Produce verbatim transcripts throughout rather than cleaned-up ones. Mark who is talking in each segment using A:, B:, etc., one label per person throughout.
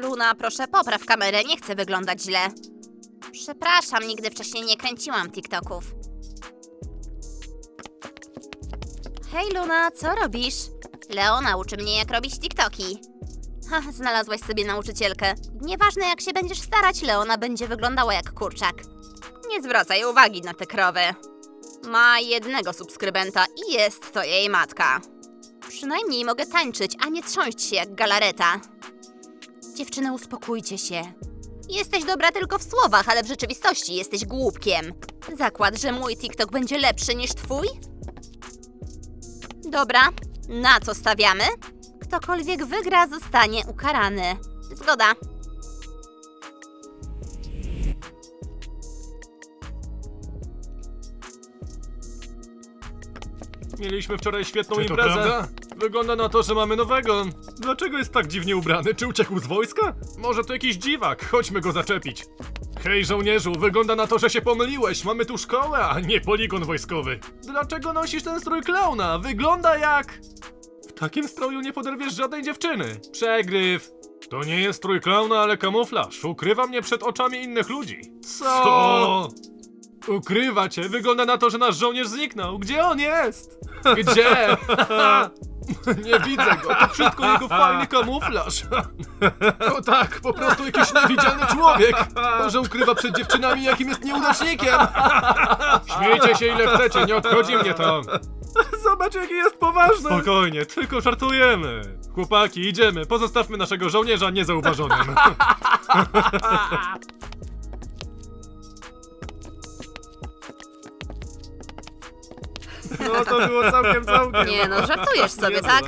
A: Luna, proszę popraw kamerę, nie chcę wyglądać źle. Przepraszam, nigdy wcześniej nie kręciłam TikToków. Hej Luna, co robisz? Leona uczy mnie, jak robić TikToki. Ha, znalazłaś sobie nauczycielkę. Nieważne, jak się będziesz starać, Leona będzie wyglądała jak kurczak. Nie zwracaj uwagi na tę krowę. Ma jednego subskrybenta i jest to jej matka. Przynajmniej mogę tańczyć, a nie trząść się jak galareta. Dziewczyny, uspokójcie się. Jesteś dobra tylko w słowach, ale w rzeczywistości jesteś głupkiem. Zakład, że mój TikTok będzie lepszy niż twój? Dobra, na co stawiamy? Ktokolwiek wygra, zostanie ukarany. Zgoda.
B: Mieliśmy wczoraj świetną
C: Czy to
B: imprezę.
C: prawda?
B: Wygląda na to, że mamy nowego. Dlaczego jest tak dziwnie ubrany? Czy uciekł z wojska? Może to jakiś dziwak, chodźmy go zaczepić. Hej żołnierzu, wygląda na to, że się pomyliłeś. Mamy tu szkołę, a nie poligon wojskowy. Dlaczego nosisz ten strój klauna? Wygląda jak... W takim stroju nie poderwiesz żadnej dziewczyny. Przegryw. To nie jest strój klauna, ale kamuflaż. Ukrywa mnie przed oczami innych ludzi. Co? Co? Ukrywa cię. Wygląda na to, że nasz żołnierz zniknął. Gdzie on jest? Gdzie? Nie widzę go. To wszystko jego fajny kamuflaż. O tak, po prostu jakiś niewidzialny człowiek. Może ukrywa przed dziewczynami, jakim jest nieudacznikiem. Śmiejcie się ile chcecie, nie obchodzi mnie to. Zobacz, jaki jest poważny. Spokojnie, tylko żartujemy. Chłopaki, idziemy. Pozostawmy naszego żołnierza niezauważonym. No to było całkiem, całkiem.
A: Nie no, żartujesz sobie, tak?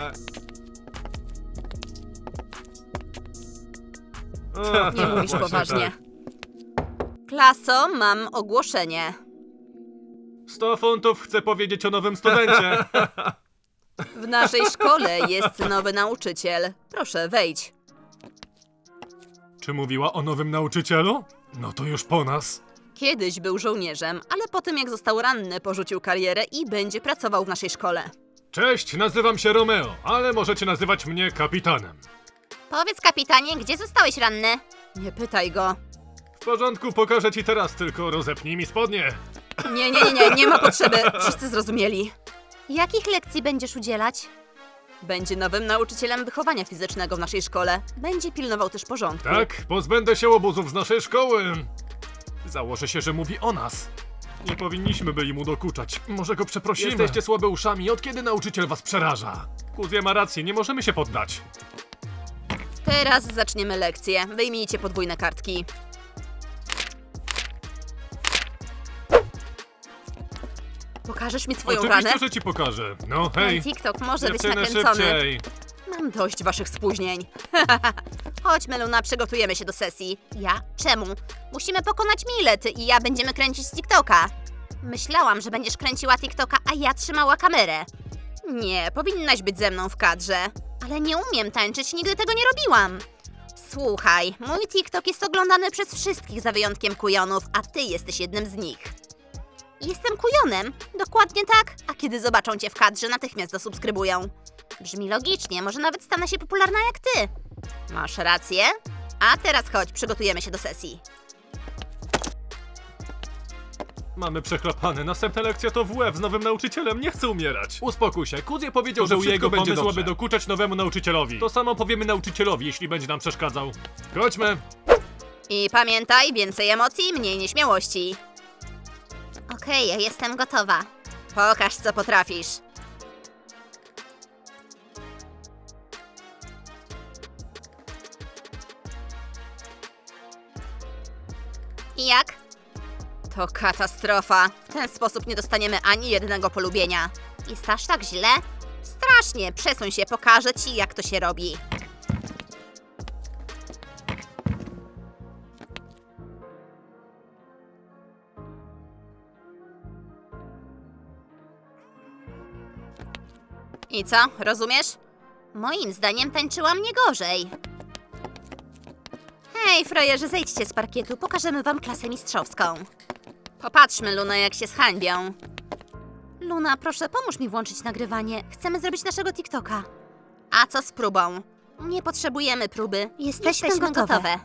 A: Nie mówisz poważnie. Klaso, mam ogłoszenie.
B: sto funtów chcę powiedzieć o nowym studencie.
A: W naszej szkole jest nowy nauczyciel. Proszę, wejdź.
B: Czy mówiła o nowym nauczycielu? No to już po nas.
A: Kiedyś był żołnierzem, ale po tym jak został ranny, porzucił karierę i będzie pracował w naszej szkole.
B: Cześć, nazywam się Romeo, ale możecie nazywać mnie kapitanem.
A: Powiedz, kapitanie, gdzie zostałeś ranny? Nie pytaj go.
B: W porządku, pokażę ci teraz, tylko rozepnij mi spodnie.
A: Nie, nie, nie, nie, nie ma potrzeby. Wszyscy zrozumieli. Jakich lekcji będziesz udzielać? Będzie nowym nauczycielem wychowania fizycznego w naszej szkole. Będzie pilnował też porządku.
B: Tak, pozbędę się obozów z naszej szkoły. Założę się, że mówi o nas. Nie powinniśmy byli mu dokuczać. Może go przeprosimy. Jesteście słabe uszami. Od kiedy nauczyciel was przeraża? Kuzja ma rację, nie możemy się poddać.
A: Teraz zaczniemy lekcję. Wyjmijcie podwójne kartki. Pokażesz mi swoją
B: Oczywiście,
A: ranę?
B: że ci pokażę. No hej.
A: Ten TikTok może być
B: Dziewczyny,
A: nakręcony.
B: szybciej.
A: Mam dość waszych spóźnień. Chodźmy, Luna, przygotujemy się do sesji. Ja? Czemu? Musimy pokonać Milety i ja będziemy kręcić TikToka. Myślałam, że będziesz kręciła TikToka, a ja trzymała kamerę. Nie, powinnaś być ze mną w kadrze. Ale nie umiem tańczyć, nigdy tego nie robiłam. Słuchaj, mój TikTok jest oglądany przez wszystkich za wyjątkiem kujonów, a ty jesteś jednym z nich. Jestem kujonem, dokładnie tak, a kiedy zobaczą cię w kadrze, natychmiast zasubskrybują. Brzmi logicznie, może nawet stanę się popularna jak ty. Masz rację. A teraz chodź, przygotujemy się do sesji.
B: Mamy przechlapane. Następna lekcja to W F z nowym nauczycielem. Nie chcę umierać. Uspokój się. Kuzie powiedział, że u jego będzie pomysł, aby dokuczać nowemu nauczycielowi. To samo powiemy nauczycielowi, jeśli będzie nam przeszkadzał. Chodźmy.
A: I pamiętaj, więcej emocji, mniej nieśmiałości. Okej, ja jestem gotowa. Pokaż, co potrafisz. I jak? To katastrofa. W ten sposób nie dostaniemy ani jednego polubienia. Jest aż tak źle? Strasznie. Przesuń się, pokażę ci, jak to się robi. I co, rozumiesz? Moim zdaniem tańczyłam nie gorzej. Hej, frajerzy, zejdźcie z parkietu, pokażemy wam klasę mistrzowską. Popatrzmy, Luna, jak się zhańbią. Luna, proszę, pomóż mi włączyć nagrywanie. Chcemy zrobić naszego TikToka. A co z próbą? Nie potrzebujemy próby. Jesteśmy,
C: Jesteśmy
A: gotowe.
C: gotowe.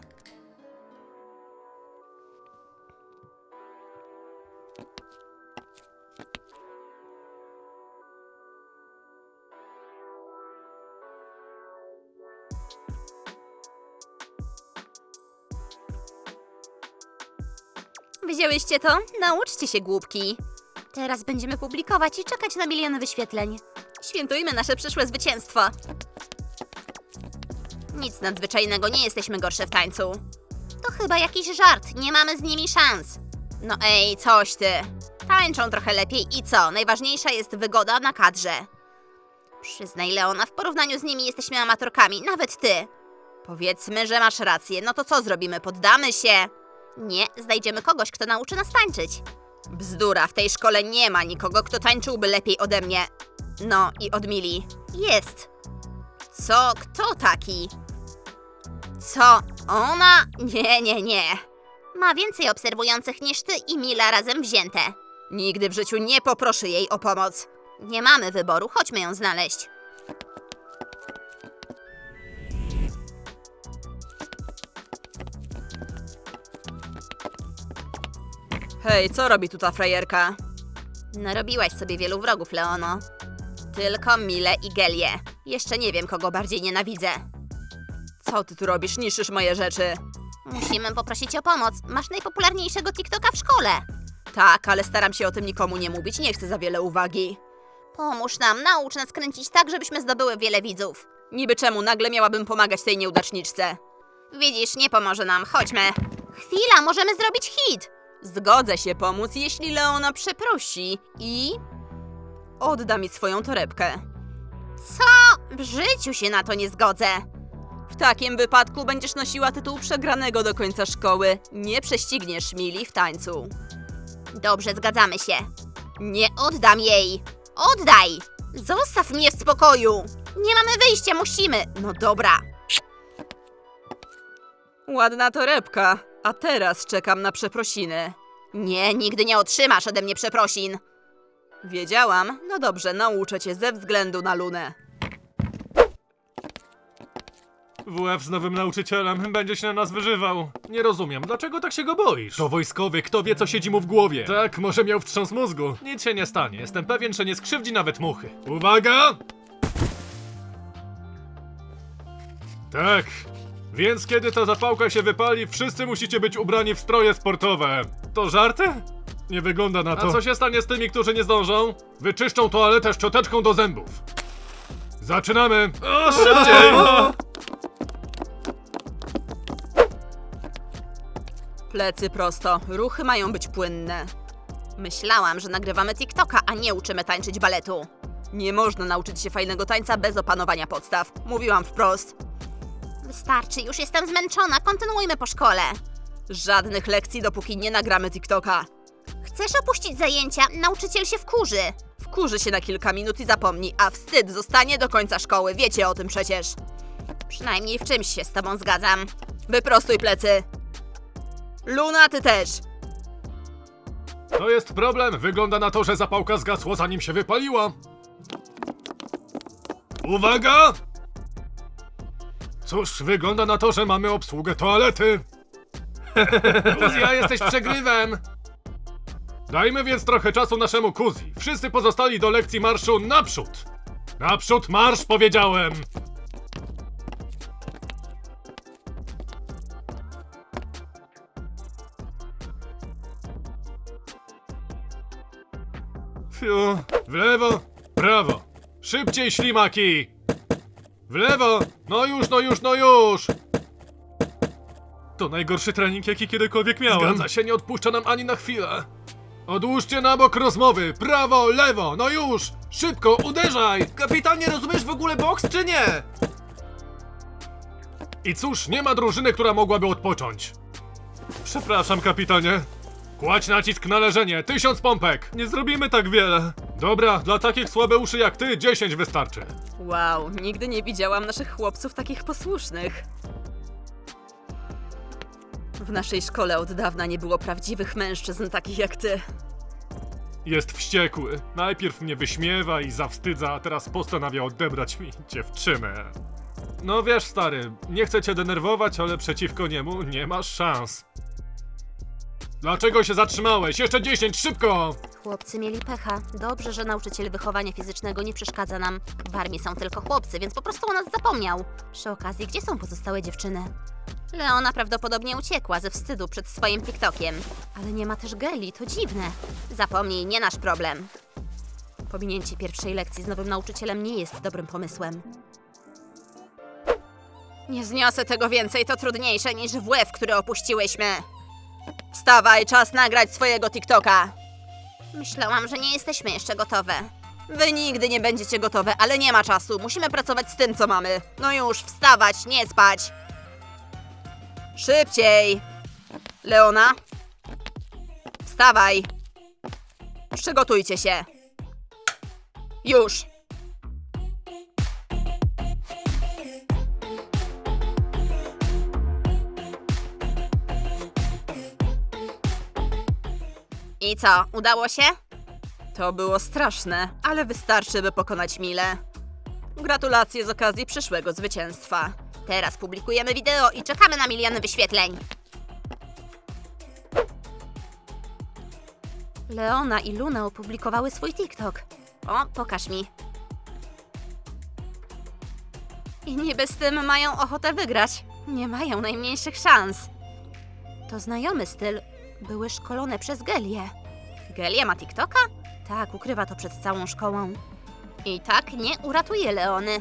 A: Widziałyście to? Nauczcie się, głupki. Teraz będziemy publikować i czekać na miliony wyświetleń. Świętujmy nasze przyszłe zwycięstwo. Nic nadzwyczajnego, nie jesteśmy gorsze w tańcu. To chyba jakiś żart, nie mamy z nimi szans. No ej, coś ty. Tańczą trochę lepiej i co? Najważniejsza jest wygoda na kadrze. Przyznaj, Leona, w porównaniu z nimi jesteśmy amatorkami, nawet ty. Powiedzmy, że masz rację, no to co zrobimy? Poddamy się? Nie, znajdziemy kogoś, kto nauczy nas tańczyć. Bzdura, w tej szkole nie ma nikogo, kto tańczyłby lepiej ode mnie. No i od Mili. Jest. Co? Kto taki? Co? Ona? Nie, nie, nie. Ma więcej obserwujących niż ty i Mila razem wzięte. Nigdy w życiu nie poproszę jej o pomoc. Nie mamy wyboru, chodźmy ją znaleźć. Hej, co robi tu ta frajerka? Narobiłaś sobie wielu wrogów, Leono. Tylko Milę i Gelię. Jeszcze nie wiem, kogo bardziej nienawidzę. Co ty tu robisz? Niszczysz moje rzeczy. Musimy poprosić o pomoc. Masz najpopularniejszego TikToka w szkole. Tak, ale staram się o tym nikomu nie mówić. Nie chcę za wiele uwagi. Pomóż nam, naucz nas kręcić tak, żebyśmy zdobyły wiele widzów. Niby czemu nagle miałabym pomagać tej nieudaczniczce? Widzisz, nie pomoże nam. Chodźmy. Chwila, możemy zrobić hit. Zgodzę się pomóc, jeśli Leona przeprosi i... odda mi swoją torebkę. Co? W życiu się na to nie zgodzę. W takim wypadku będziesz nosiła tytuł przegranego do końca szkoły. Nie prześcigniesz Mili w tańcu. Dobrze, zgadzamy się. Nie oddam jej. Oddaj! Zostaw mnie w spokoju. Nie mamy wyjścia, musimy. No dobra. Ładna torebka. A teraz czekam na przeprosiny. Nie, nigdy nie otrzymasz ode mnie przeprosin. Wiedziałam. No dobrze, nauczę cię ze względu na Lunę.
B: W F z nowym nauczycielem będzie się na nas wyżywał. Nie rozumiem, dlaczego tak się go boisz? To wojskowy, kto wie, co siedzi mu w głowie. Tak, może miał wstrząs mózgu. Nic się nie stanie, jestem pewien, że nie skrzywdzi nawet muchy. Uwaga! Tak. Więc kiedy ta zapałka się wypali, wszyscy musicie być ubrani w stroje sportowe. To żarty? Nie wygląda na to. A co się stanie z tymi, którzy nie zdążą? Wyczyszczą toaletę szczoteczką do zębów. Zaczynamy! O, szybciej!
A: Plecy prosto, ruchy mają być płynne. Myślałam, że nagrywamy TikToka, a nie uczymy tańczyć baletu. Nie można nauczyć się fajnego tańca bez opanowania podstaw. Mówiłam wprost. Wystarczy, już jestem zmęczona, kontynuujmy po szkole. Żadnych lekcji, dopóki nie nagramy TikToka. Chcesz opuścić zajęcia? Nauczyciel się wkurzy. Wkurzy się na kilka minut i zapomni, a wstyd zostanie do końca szkoły. Wiecie o tym przecież. Przynajmniej w czymś się z tobą zgadzam. Wyprostuj plecy. Luna, ty też.
B: To jest problem. Wygląda na to, że zapałka zgasła, zanim się wypaliła. Uwaga! Cóż, wygląda na to, że mamy obsługę toalety. Kuzja, jesteś przegrywem. Dajmy więc trochę czasu naszemu Kuzi. Wszyscy pozostali do lekcji marszu naprzód. Naprzód marsz, powiedziałem. Fiu. W lewo, prawo. Szybciej, ślimaki. W lewo. No już, no już, no już. To najgorszy trening, jaki kiedykolwiek miałem. Zgadza się, nie odpuszcza nam ani na chwilę. Odłóżcie na bok rozmowy. Prawo, lewo, no już. Szybko, uderzaj.
D: Kapitanie, rozumiesz w ogóle boks, czy nie?
B: I cóż, nie ma drużyny, która mogłaby odpocząć. Przepraszam, kapitanie. Kładź nacisk na leżenie, tysiąc pompek. Nie zrobimy tak wiele. Dobra, dla takich słabeuszy jak ty, dziesięć wystarczy.
A: Wow, nigdy nie widziałam naszych chłopców takich posłusznych. W naszej szkole od dawna nie było prawdziwych mężczyzn takich jak ty.
B: Jest wściekły. Najpierw mnie wyśmiewa i zawstydza, a teraz postanawia odebrać mi dziewczynę. No wiesz, stary, nie chcę cię denerwować, ale przeciwko niemu nie masz szans. Dlaczego się zatrzymałeś? Jeszcze dziesięć, szybko!
A: Chłopcy mieli pecha. Dobrze, że nauczyciel wychowania fizycznego nie przeszkadza nam. W armii są tylko chłopcy, więc po prostu o nas zapomniał. Przy okazji, gdzie są pozostałe dziewczyny? Leona prawdopodobnie uciekła ze wstydu przed swoim TikTokiem. Ale nie ma też Geli, to dziwne. Zapomnij, nie nasz problem. Pominięcie pierwszej lekcji z nowym nauczycielem nie jest dobrym pomysłem. Nie zniosę tego więcej, to trudniejsze niż W F, który opuściłyśmy. Wstawaj, czas nagrać swojego TikToka. Myślałam, że nie jesteśmy jeszcze gotowe. Wy nigdy nie będziecie gotowe, ale nie ma czasu. Musimy pracować z tym, co mamy. No już, wstawać, nie spać. Szybciej. Leona? Wstawaj. Przygotujcie się. Już. I co, udało się? To było straszne, ale wystarczy, by pokonać Milę. Gratulacje z okazji przyszłego zwycięstwa. Teraz publikujemy wideo i czekamy na miliony wyświetleń. Leona i Luna opublikowały swój TikTok. O, pokaż mi. I niby z tym mają ochotę wygrać. Nie mają najmniejszych szans. To znajomy styl. Były szkolone przez Gelię. Gelia ma TikToka? Tak, ukrywa to przed całą szkołą. I tak nie uratuje Leony.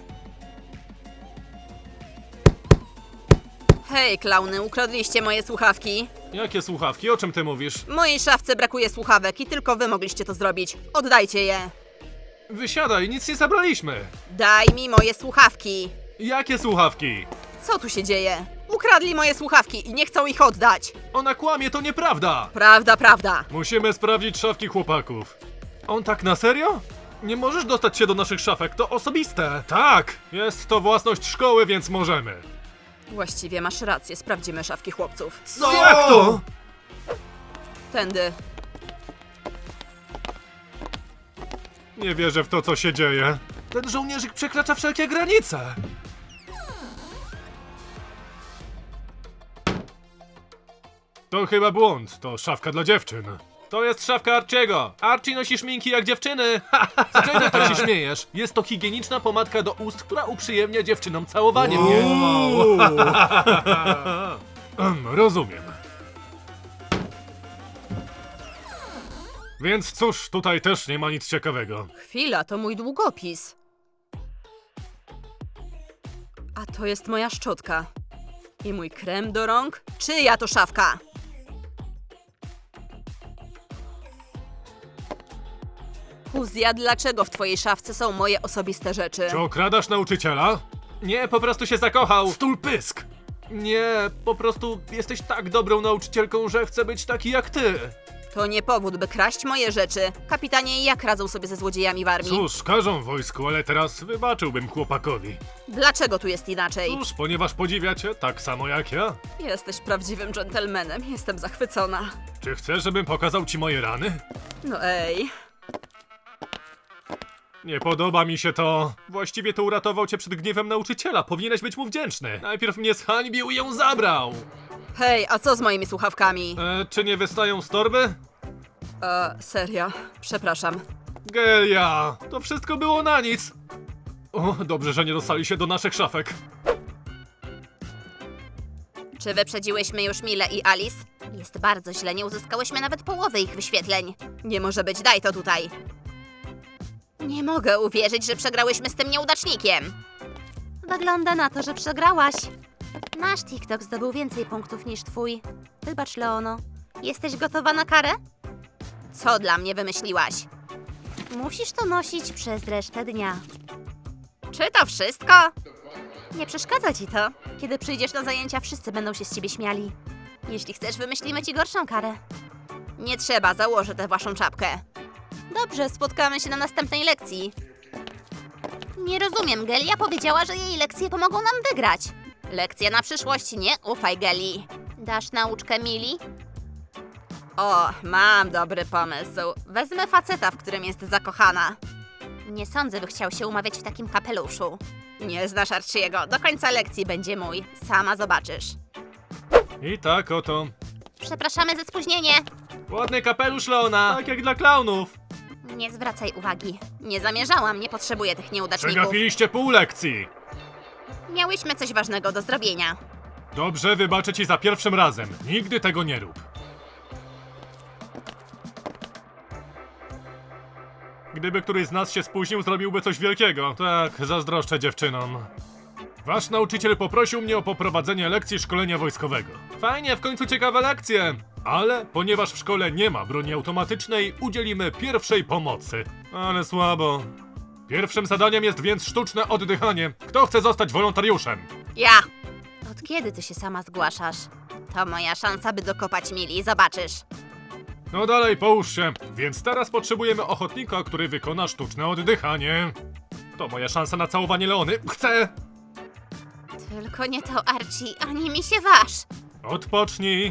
A: Hej, klauny, ukradliście moje słuchawki.
B: Jakie słuchawki? O czym ty mówisz?
A: W mojej szafce brakuje słuchawek i tylko wy mogliście to zrobić. Oddajcie je.
B: Wysiadaj, nic nie zabraliśmy!
A: Daj mi moje słuchawki.
B: Jakie słuchawki?
A: Co tu się dzieje? Ukradli moje słuchawki i nie chcą ich oddać.
B: Ona kłamie, to nieprawda!
A: Prawda, prawda.
B: Musimy sprawdzić szafki chłopaków. On tak na serio? Nie możesz dostać się do naszych szafek, to osobiste. Tak, jest to własność szkoły, więc możemy.
A: Właściwie masz rację, sprawdzimy szafki chłopców.
D: Co?
B: Jak to?
A: Tędy.
B: Nie wierzę w to, co się dzieje. Ten żołnierzyk przekracza wszelkie granice. To chyba błąd, to szafka dla dziewczyn. To jest szafka Archiego. Archie nosi szminki jak dziewczyny. Z czego tak się śmiejesz? Jest to higieniczna pomadka do ust, która uprzyjemnia dziewczynom całowanie mnie. Em, Rozumiem. Więc cóż, tutaj też nie ma nic ciekawego.
A: Chwila, to mój długopis. A to jest moja szczotka. I mój krem do rąk? Czyja to szafka? Huzja, dlaczego w twojej szafce są moje osobiste rzeczy?
B: Czy okradasz nauczyciela? Nie, po prostu się zakochał. Stul pysk! Nie, po prostu jesteś tak dobrą nauczycielką, że chcę być taki jak ty.
A: To nie powód, by kraść moje rzeczy. Kapitanie, jak radzą sobie ze złodziejami w armii?
B: Cóż, każą w wojsku, ale teraz wybaczyłbym chłopakowi.
A: Dlaczego tu jest inaczej?
B: Cóż, ponieważ podziwiacie tak samo jak ja.
A: Jesteś prawdziwym dżentelmenem, jestem zachwycona.
B: Czy chcesz, żebym pokazał ci moje rany?
A: No ej.
B: Nie podoba mi się to. Właściwie to uratował cię przed gniewem nauczyciela. Powinieneś być mu wdzięczny. Najpierw mnie zhańbił i ją zabrał.
A: Hej, a co z moimi słuchawkami?
B: E, czy nie wystają z torby?
A: E, serio, przepraszam.
B: Gelia, to wszystko było na nic. O, dobrze, że nie dostali się do naszych szafek.
A: Czy wyprzedziłyśmy już Milę i Alice? Jest bardzo źle, nie uzyskałyśmy nawet połowy ich wyświetleń. Nie może być, daj to tutaj. Nie mogę uwierzyć, że przegrałyśmy z tym nieudacznikiem. Wygląda na to, że przegrałaś. Nasz TikTok zdobył więcej punktów niż twój. Wybacz, Leono. Jesteś gotowa na karę? Co dla mnie wymyśliłaś? Musisz to nosić przez resztę dnia. Czy to wszystko? Nie przeszkadza ci to. Kiedy przyjdziesz na zajęcia, wszyscy będą się z ciebie śmiali. Jeśli chcesz, wymyślimy ci gorszą karę. Nie trzeba, założę tę waszą czapkę. Dobrze, spotkamy się na następnej lekcji. Nie rozumiem, Gelia powiedziała, że jej lekcje pomogą nam wygrać. Lekcja na przyszłość, nie ufaj Geli. Dasz nauczkę Mili? O, mam dobry pomysł. Wezmę faceta, w którym jest zakochana. Nie sądzę, by chciał się umawiać w takim kapeluszu. Nie znasz Archiego, do końca lekcji będzie mój. Sama zobaczysz.
B: I tak oto.
A: Przepraszamy za spóźnienie.
B: Ładny kapelusz Leona, tak jak dla klaunów.
A: Nie zwracaj uwagi. Nie zamierzałam, nie potrzebuję tych nieudaczników.
B: Przegapiliście pół lekcji.
A: Miałyśmy coś ważnego do zrobienia.
B: Dobrze, wybaczę ci za pierwszym razem. Nigdy tego nie rób. Gdyby któryś z nas się spóźnił, zrobiłby coś wielkiego. Tak, zazdroszczę dziewczynom. Wasz nauczyciel poprosił mnie o poprowadzenie lekcji szkolenia wojskowego. Fajnie, w końcu ciekawe lekcje. Ale ponieważ w szkole nie ma broni automatycznej, udzielimy pierwszej pomocy. Ale słabo. Pierwszym zadaniem jest więc sztuczne oddychanie. Kto chce zostać wolontariuszem?
A: Ja! Od kiedy ty się sama zgłaszasz? To moja szansa, by dokopać Mili, zobaczysz.
B: No dalej, połóż się. Więc teraz potrzebujemy ochotnika, który wykona sztuczne oddychanie. To moja szansa na całowanie Leony. Chcę!
A: Tylko nie to Archie, ani mi się waż.
B: Odpocznij.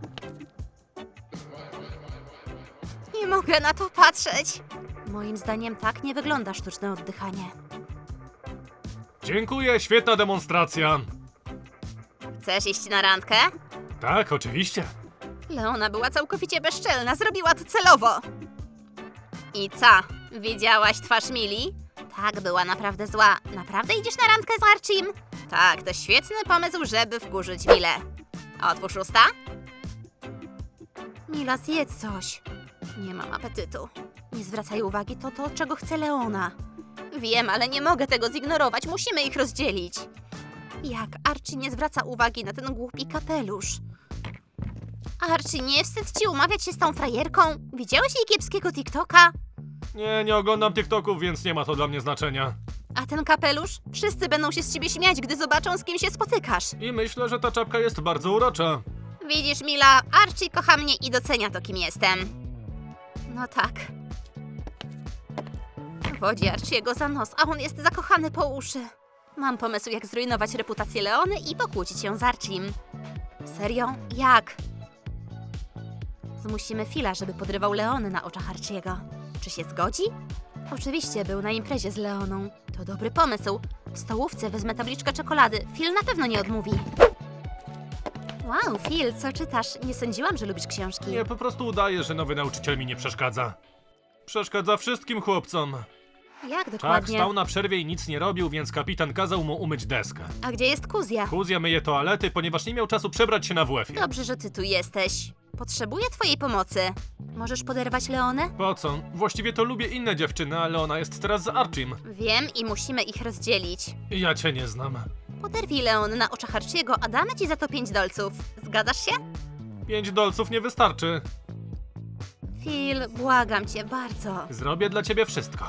A: Nie mogę na to patrzeć. Moim zdaniem tak nie wygląda sztuczne oddychanie.
B: Dziękuję, świetna demonstracja.
A: Chcesz iść na randkę?
B: Tak, oczywiście.
A: Leona była całkowicie bezczelna, zrobiła to celowo. I co? Widziałaś twarz Mili? Tak, była naprawdę zła. Naprawdę idziesz na randkę z Archiem? Tak, to świetny pomysł, żeby wkurzyć Milę. Otwórz usta. Mila, zjedz coś. Nie mam apetytu. Nie zwracaj uwagi, to to, czego chce Leona. Wiem, ale nie mogę tego zignorować, musimy ich rozdzielić. Jak Archie nie zwraca uwagi na ten głupi kapelusz? Archie, nie wstyd ci umawiać się z tą frajerką? Widziałeś jej kiepskiego TikToka?
B: Nie, nie oglądam TikToków, więc nie ma to dla mnie znaczenia.
A: A ten kapelusz? Wszyscy będą się z ciebie śmiać, gdy zobaczą, z kim się spotykasz.
B: I myślę, że ta czapka jest bardzo urocza.
A: Widzisz, Mila, Archie kocha mnie i docenia to, kim jestem. No tak. Wodzi Archiego za nos, a on jest zakochany po uszy. Mam pomysł, jak zrujnować reputację Leony i pokłócić się z Archiem. Serio? Jak? Zmusimy Phila, żeby podrywał Leony na oczach Archiego. Czy się zgodzi? Oczywiście, był na imprezie z Leoną. To dobry pomysł. W stołówce wezmę tabliczkę czekolady. Phil na pewno nie odmówi. Wow, Phil, co czytasz? Nie sądziłam, że lubisz książki.
B: Nie, po prostu udaję, że nowy nauczyciel mi nie przeszkadza. Przeszkadza wszystkim chłopcom.
A: Jak
B: Tak,
A: dokładnie?
B: stał na przerwie i nic nie robił, więc kapitan kazał mu umyć deskę.
A: A gdzie jest Kuzja?
B: Kuzja myje toalety, ponieważ nie miał czasu przebrać się na W F-ie.
A: Dobrze, że ty tu jesteś. Potrzebuję twojej pomocy. Możesz poderwać Leonę?
B: Po co? Właściwie to lubię inne dziewczyny, ale ona jest teraz z Archim.
A: Wiem i musimy ich rozdzielić.
B: Ja cię nie znam.
A: Poderwij Leony na oczach Archiego, a damy ci za to pięć dolców. Zgadzasz się?
B: Pięć dolców nie wystarczy.
A: Phil, błagam cię bardzo.
B: Zrobię dla ciebie wszystko.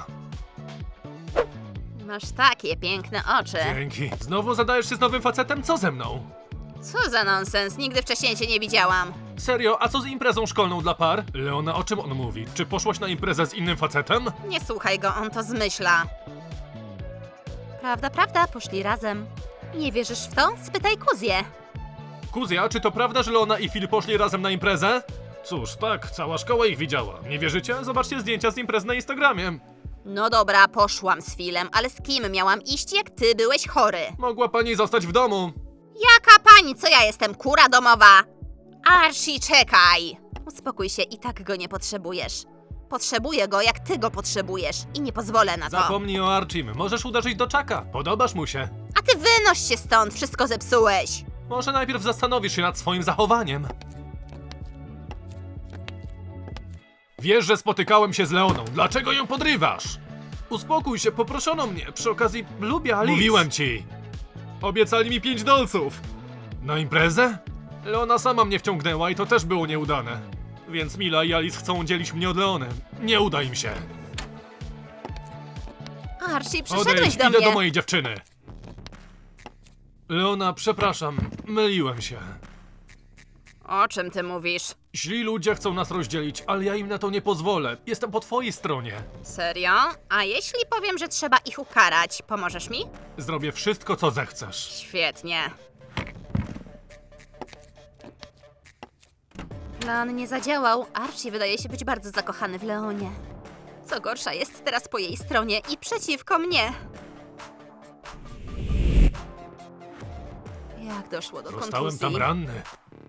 A: Masz takie piękne oczy.
B: Dzięki. Znowu zadajesz się z nowym facetem? Co ze mną?
A: Co za nonsens, nigdy wcześniej cię nie widziałam.
B: Serio, a co z imprezą szkolną dla par? Leona, o czym on mówi? Czy poszłaś na imprezę z innym facetem?
A: Nie słuchaj go, on to zmyśla. Prawda, prawda, poszli razem. Nie wierzysz w to? Spytaj Kuzję.
B: Kuzja, czy to prawda, że Leona i Phil poszli razem na imprezę? Cóż, tak, cała szkoła ich widziała. Nie wierzycie? Zobaczcie zdjęcia z imprez na Instagramie.
A: No dobra, poszłam z Philem, ale z kim miałam iść, jak ty byłeś chory?
B: Mogła pani zostać w domu.
A: Jaka pani, co ja jestem, kura domowa? Archie, czekaj! Uspokój się, i tak go nie potrzebujesz. Potrzebuję go, jak ty go potrzebujesz i nie pozwolę na to.
B: Zapomnij o Archim. Możesz uderzyć do Chucka. Podobasz mu się.
A: A ty wynoś się stąd, wszystko zepsułeś.
B: Może najpierw zastanowisz się nad swoim zachowaniem. Wiesz, że spotykałem się z Leoną. Dlaczego ją podrywasz? Uspokój się, poproszono mnie. Przy okazji lubię Alice. Mówiłem ci. Obiecali mi pięć dolców. Na imprezę? Leona sama mnie wciągnęła i to też było nieudane. Więc Mila i Alice chcą dzielić mnie od Leony. Nie uda im się.
A: Archie, przyszedłeś
B: Odejdź,
A: do
B: idę
A: mnie.
B: do mojej dziewczyny. Leona, przepraszam, myliłem się.
A: O czym ty mówisz?
B: Źli ludzie chcą nas rozdzielić, ale ja im na to nie pozwolę. Jestem po twojej stronie.
A: Serio? A jeśli powiem, że trzeba ich ukarać, pomożesz mi?
B: Zrobię wszystko, co zechcesz.
A: Świetnie. Plan nie zadziałał. Archie wydaje się być bardzo zakochany w Leonie. Co gorsza, jest teraz po jej stronie i przeciwko mnie. Jak doszło do
B: Zostałem
A: kontuzji?
B: tam ranny.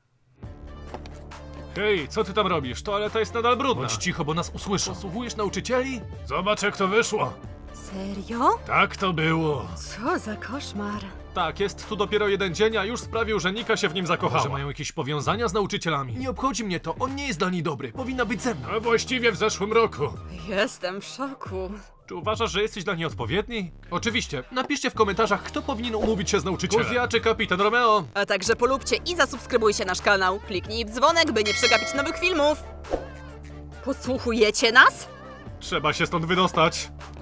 B: Hej, co ty tam robisz? Toaleta jest nadal brudna. Bądź cicho, bo nas usłyszą. Posłuchujesz nauczycieli? Zobacz, jak to wyszło.
A: Serio?
B: Tak to było.
A: Co za koszmar.
B: Tak, jest tu dopiero jeden dzień, a już sprawił, że Nika się w nim zakochała. Może mają jakieś powiązania z nauczycielami? Nie obchodzi mnie to, on nie jest dla niej dobry. Powinna być ze mną. A właściwie w zeszłym roku.
A: Jestem w szoku.
B: Czy uważasz, że jesteś dla niej odpowiedni? Oczywiście. Napiszcie w komentarzach, kto powinien umówić się z nauczycielem. Kuzja czy kapitan Romeo?
A: A także polubcie i zasubskrybujcie nasz kanał. Kliknij w dzwonek, by nie przegapić nowych filmów. Podsłuchujecie nas?
B: Trzeba się stąd wydostać.